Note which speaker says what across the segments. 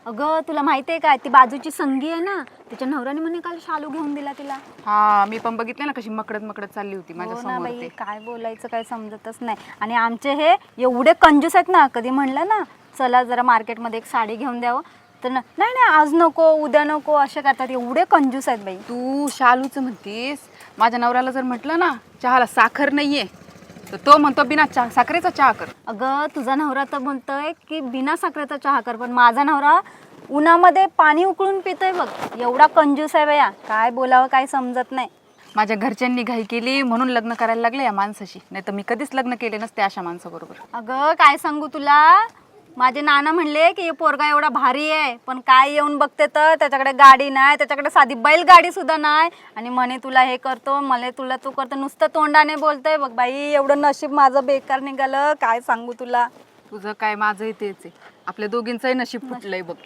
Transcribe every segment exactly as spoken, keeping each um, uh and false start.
Speaker 1: अगं तुला माहिती आहे काय, ती बाजूची संगी आहे ना, तिच्या नवऱ्याने म्हणे काल शालू घेऊन दिला तिला.
Speaker 2: हा मी पण बघितले ना कशी मकडत मकडत चालली होती माझ्या
Speaker 1: हो ना
Speaker 2: समोर
Speaker 1: बाई,
Speaker 2: ते.
Speaker 1: काय बोलायचं काय समजतच नाही. आणि आमचे हे एवढे कंजूस आहेत ना, कधी म्हणलं ना चला जरा मार्केटमध्ये एक साडी घेऊन द्यावं तर ना, नाही नाही आज नको उद्या नको असे करतात. एवढे कंजूस आहेत बाई.
Speaker 2: तू शालूचं म्हणतीस, माझ्या नवऱ्याला जर म्हटलं ना चहाला साखर नाहीये तर तो म्हणतो बिना चहा साखरेचा चहा कर.
Speaker 1: अगं तुझा नवरा तर म्हणतोय की बिना साखरेचा चहा कर, पण माझा नवरा उन्हामध्ये पाणी उकळून पितोय बघ. एवढा कंजूस आहे बया, काय बोलावं काय समजत नाही.
Speaker 2: माझ्या घरच्यांनी घाई केली म्हणून लग्न करायला लागले या माणसाशी, नाही तर मी कधीच लग्न केले नसते अशा माणसाबरोबर.
Speaker 1: अगं काय सांगू तुला, माझे नाना म्हणले की हे पोरगा एवढा भारी आहे, पण काय येऊन बघते तर त्याच्याकडे गाडी नाही, त्याच्याकडे साधी बैलगाडी सुद्धा नाही. आणि म्हणे तुला हे करतो मला तुला तू करतो, नुसतं तोंडाने बोलतोय बघ बाई. एवढं नशीब माझं बेकार निघालं, काय सांगू तुला.
Speaker 2: तुझं काय माझंही तेच आहे, आपल्या दोघींचंही नशीब फुटलंय बघ.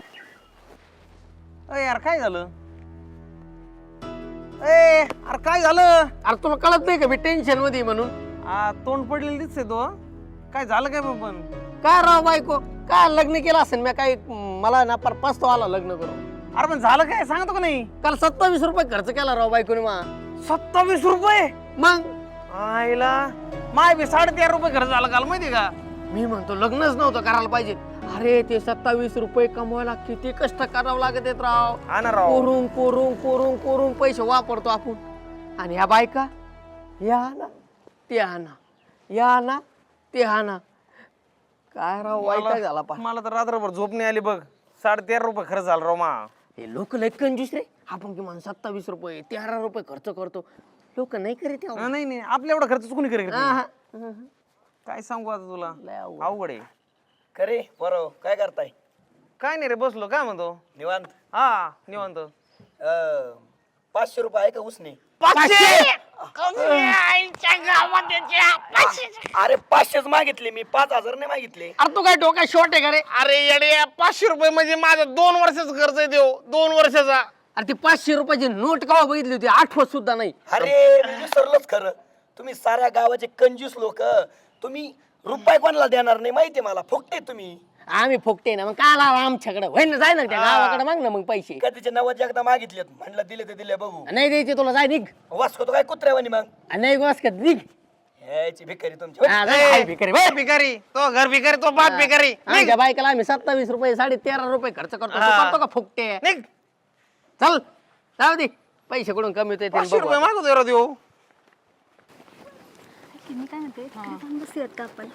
Speaker 3: अरे यार काय झालं? ए अरे काय झालं?
Speaker 4: अरे तुला कळत नाही का मी टेन्शन मध्ये म्हणून?
Speaker 3: आ, तोंड पडलेलं दिसतंय तो. काय झालं काय पण?
Speaker 4: काय राव बायको, काय लग्न केलं असेल मी? काय मला ना पर पस्तो आला लग्न करून.
Speaker 3: अरे पण झालं काय सांगतो का नाही?
Speaker 4: काल सत्तावीस रुपये खर्च केला राव बायकोने मा.
Speaker 3: सत्तावीस रुपये?
Speaker 4: मग
Speaker 3: आईला माय बी साडेतेरा रुपये खर्च झाला काल, माहिती का?
Speaker 4: मी म्हणतो लग्नच नव्हतं करायला पाहिजे. अरे ते सत्तावीस रुपये कमवायला किती कष्ट करावं लागत आहेत राव.
Speaker 3: हा ना राव.
Speaker 4: कोरून कोरून कोरून कोरून पैसे वापरतो आपण. आणि ह्या बायका या ना ते आणा, या ना ते आणा. काय राव वाईट झाला पा.
Speaker 3: मला तर रात्रभर झोप नाही आली बघ. साडेतेरा रुपये खर्च झाला राव मा.
Speaker 4: हे लोक लय कंजूस रे. आपण किमान सत्तावीस रुपये तेरा रुपये खर्च करतो, लोक नाही करीत हे.
Speaker 3: नाही नाही आपल्या एवढा खर्च कोणी करेल?
Speaker 4: हा, हा.
Speaker 3: काय सांगू आता तुला,
Speaker 4: लय अवघड.
Speaker 3: अवघड आहे.
Speaker 5: खरे बरोबर काय करताय?
Speaker 3: काय नाही रे, बसलो. काय म्हणतो?
Speaker 5: निवांत.
Speaker 3: हा निवांत.
Speaker 5: अं, पाचशे रुपये आहे का उसने? अरे पाचशेच मागितले मी, पाच हजार नाही मागितले.
Speaker 4: अरे तू काय डोका शॉर्ट आहे का रे?
Speaker 3: अरे येडे, पाचशे रुपये म्हणजे माझं दोन वर्षाचं कर्ज आहे देव, दोन वर्षाचा.
Speaker 4: अरे ती पाचशे रुपयाची नोट केव्हा बघितली होती? आठवत सुद्धा नाही.
Speaker 5: अरे मी विसरलोच खरं. तुम्ही साऱ्या गावाचे कंजूस लोक, तुम्ही रुपये कोणाला देणार नाही माहितीये मला. फुकटे तुम्ही.
Speaker 4: आम्ही फुकटे ना, मग काय आला आमच्याकडे? होय ना, जाय ना त्या गावाकडे माग ना मग पैसे.
Speaker 5: कधीचे नव्वद एकदा मागितलेत, म्हणलं दिले ते दिले बघू.
Speaker 4: नाही द्यायचे तुला, जाय निघ.
Speaker 5: वाचको तो काय कुत्र्यावानी मग.
Speaker 4: नाही गोस का निघ.
Speaker 5: ह्याची भिकारी तुमची.
Speaker 4: हा, जाय, हाय भिकारी,
Speaker 3: ए, भिकारी तो घर भिकारी, तो बाप भिकारी.
Speaker 4: आमच्या बायकाला आम्ही सत्तावीस रुपये साडे तेरा रुपये खर्च करतो. तू
Speaker 3: हा.
Speaker 4: करतो का फुकटे?
Speaker 3: निघ.
Speaker 4: चल जाऊ दे, पैसे कुठून कमी होते ते
Speaker 3: पाचशे
Speaker 4: बघू
Speaker 3: रुपये
Speaker 4: आता.
Speaker 3: मागतो देव.
Speaker 1: मी काय म्हणते, काय सांग बसूयात का आपण?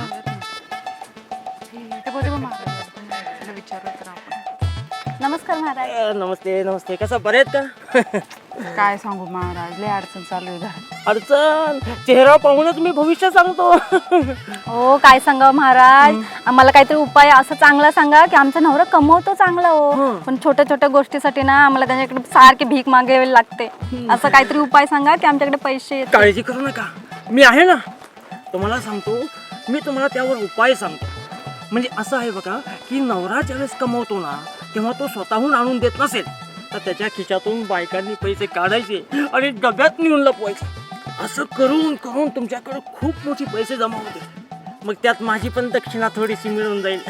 Speaker 2: ते बघ, ते बघ महाराज, तिला विचारलं तर आपण.
Speaker 1: नमस्कार महाराज.
Speaker 6: नमस्ते नमस्ते. कसं बरे आहेत का?
Speaker 2: काय सांगू महाराज, लय अडचण चालू आहे घरात.
Speaker 6: अडचण चेहरा पाहूनच मी भविष्य सांगतो.
Speaker 1: हो काय सांगा महाराज, आम्हाला काहीतरी उपाय असं चांगला सांगा की आमचा नवरा कमवतो चांगला हो, पण छोट्या छोट्या गोष्टीसाठी ना आम्हाला त्याच्याकडे सारखे भीक मागावी लागते. असं काहीतरी उपाय सांगा की आमच्याकडे पैसे येतील.
Speaker 6: काळजी करू नका, मी आहे ना. तुम्हाला सांगतो, मी तुम्हाला त्यावर उपाय सांगतो. म्हणजे असं आहे बघा की नवरा ज्यावेळेस कमवतो ना, तेव्हा तो स्वतःहून आणून देत नसेल तर त्याच्या खिशातून बायकांनी पैसे काढायचे आणि डब्यात नेऊन लपवायचे. असं करून करून तुमच्याकडे खूप मोठी पैसे जमा होते. मग त्यात माझी पण दक्षिणा थोडीशी मिळून जाईल.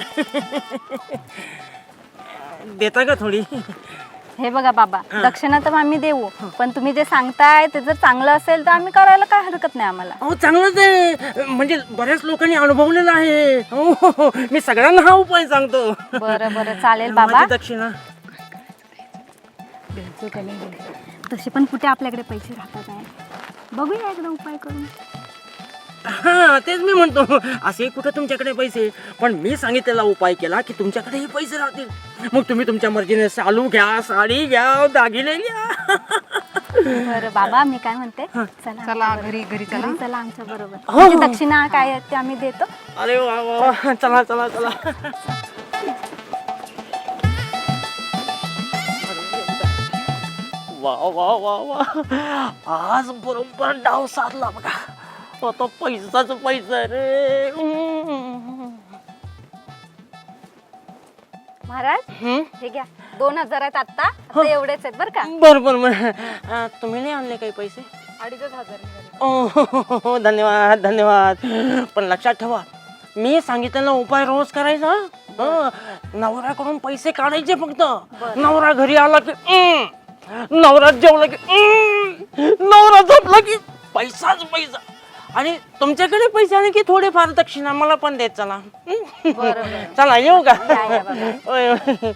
Speaker 6: देता का थोडी?
Speaker 1: हे बघा बाबा, दक्षिणा तर आम्ही देऊ, पण तुम्ही जे सांगताय ते जर चांगलं असेल तर आम्ही करायला काय हरकत नाही आम्हाला.
Speaker 6: अहो चांगलंच आहे, म्हणजे बऱ्याच लोकांनी अनुभवलेलं आहे. हो हो हो, मी सगळ्यांना हा उपाय सांगतो.
Speaker 1: बरं बरं चालेल बाबा.
Speaker 6: माझी दक्षिणा
Speaker 2: द्यायचं का नाही द्यायचं?
Speaker 1: तसे पण कुठे आपल्याकडे पैसे राहतात आहे, बघूया एकदा उपाय करून.
Speaker 6: हा तेच मी म्हणतो, असे कुठे तुमच्याकडे पैसे, पण मी सांगितलेला उपाय केला की तुमच्याकडेही पैसे राहतील. मग तुम्ही तुमच्या मर्जीने शालू घ्या, साडी घ्या, दागिने घ्या.
Speaker 1: बरं बाबा, मी काय म्हणते, चला
Speaker 2: चला
Speaker 1: आमच्या
Speaker 2: घरी घरी चला.
Speaker 1: घरी चला आमच्या बरोबर.
Speaker 6: हो,
Speaker 1: म्हणजे
Speaker 6: हो.
Speaker 1: दक्षिणा काय आहे ते आम्ही देतो.
Speaker 6: अरे वा वा वा, चला चला चला. वा वा वा वा, आज बरोबर डाव साधला बघा. आता पैसाच पैसा रे.
Speaker 1: महाराज हे घ्या, दोन हजार आहेत आता, आता एवढेच आहेत बरं का.
Speaker 6: बर बर बर. अं, तुम्ही नाही आणले काही पैसे?
Speaker 1: अडीचच हजार निघाले.
Speaker 6: ओ, हो, हो, हो, धन्यवाद धन्यवाद. पण लक्षात ठेवा, मी सांगितलेला उपाय रोज करायचा. हं. नवऱ्याकडून पैसे काढायचे फक्त. नवरा घरी आला की "हं." नवरा जेवला की "हं." नवरा झोपला की पैसाच पैसा. आणि तुमच्याकडे पैसे आले की थोडेफार दक्षिणा मला पण देत चला. हं? चला येऊ का? होय, होय.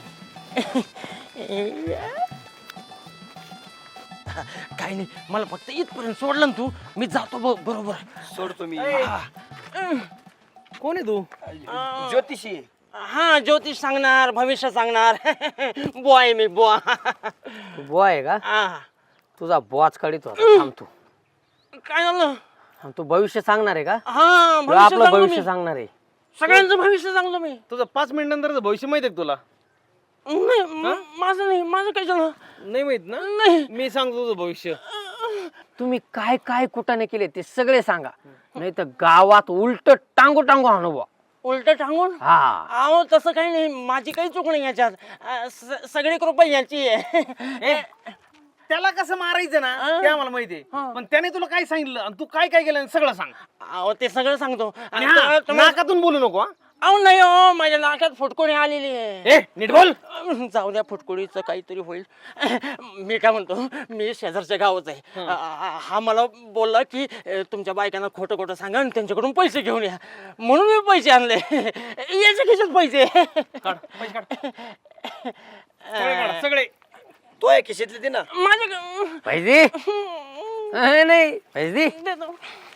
Speaker 6: काही नाही, मला फक्त इथपर्यंत सोडलं ना तू, मी जातो ब- बरोबर.
Speaker 5: सोडतो मी.
Speaker 3: कोण आहे तू?
Speaker 5: ज्योतिषी.
Speaker 6: हा, ज्योतिष सांगणार, भविष्य सांगणार. बॉय मी बुवा.
Speaker 4: तू बुवा आहे का?
Speaker 6: हा.
Speaker 4: तुझा बुवाच काढित होता. थांब तू.
Speaker 6: काय झालं?
Speaker 4: हा, तू भविष्य सांगणार आहे का?
Speaker 6: हा,
Speaker 4: तुला
Speaker 6: भविष्य
Speaker 4: आपलं
Speaker 6: सांगतो
Speaker 4: भविष्य
Speaker 6: मी.
Speaker 4: सांगणार आहे.
Speaker 6: सगळ्यांचं भविष्य सांगतो मी.
Speaker 3: तुझं पाच मिनिट नंतरचं भविष्य माहिती आहे का तुला?
Speaker 6: नाही, म- माझं नाही, माझं काय झालं?
Speaker 3: नाही माहित ना?
Speaker 6: नाही.
Speaker 3: मी सांगतो तुझं भविष्य.
Speaker 4: तुम्ही काय काय कुटाने केले ते सगळे सांगा, नाही तर गावात उलट टांगू टांगू आणू बुवा.
Speaker 6: उलट सांगून?
Speaker 4: हा.
Speaker 6: अहो तसं काही नाही, माझी काही चूक नाही याच्यात. अं, स- सगळी कृपा याची आहे.
Speaker 3: त्याला कसं मारायचं ना ते आम्हाला माहितीये. पण त्याने तुला काय सांगितलं आणि तू काय काय केलं सगळं सांग.
Speaker 6: अहो ते सगळं सांगतो.
Speaker 3: आणि
Speaker 6: आणि
Speaker 3: हा,
Speaker 6: तुम्ही-
Speaker 3: नाकातून बोलू नको. हा?
Speaker 6: अहो नाही हो, माझ्या नाकात फुटकुडी आलेली आहे.
Speaker 3: ए नीट बोल.
Speaker 6: जाऊ द्या, फुटकुडीचं काहीतरी होईल. मी काय म्हणतो, मी शेजारच्या गावच आहे. आ- हा मला बोलला की अ, तुमच्या बायकांना खोटं खोटं सांगा आणि त्यांच्याकडून पैसे घेऊन या, म्हणून मी पैसे आणले. याचे खिशात पैसे.
Speaker 3: काढ पैसे काढ. सगळे काढ, सगळे.
Speaker 5: तो आहे खिशीतले ते ना.
Speaker 6: माझ्या
Speaker 4: पैसे नाही, नाही पैसे दे.
Speaker 6: देतो.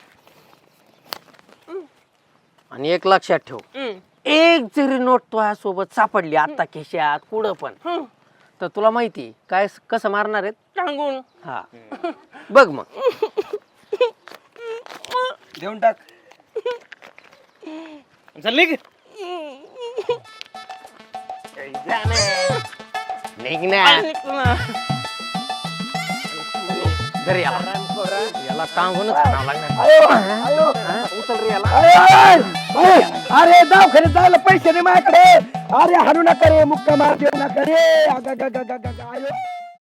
Speaker 4: आणि एक लक्षात ठेव,
Speaker 6: हम्म.
Speaker 4: एक जरी नोट तुझ्या सोबत सापडली आता खिशात कुठं पण,
Speaker 6: हं.
Speaker 4: तर तुला माहिती काय कसं मारणार आहेत.
Speaker 6: सांगून
Speaker 4: हा, बघ मग.
Speaker 5: देऊन टाक.
Speaker 3: चल निघ.
Speaker 4: निघ ना.
Speaker 6: निघतो ना.
Speaker 4: घरी याला याला टांगूनच खावं लागणार.
Speaker 5: अरे दवाखान्यात जायला पैसे नाही माझ्याकडे. अरे हाणू नका रे, मुक्का मार देऊ नका रे. अगं, अगं, अगं, अगं, अगं, आयो.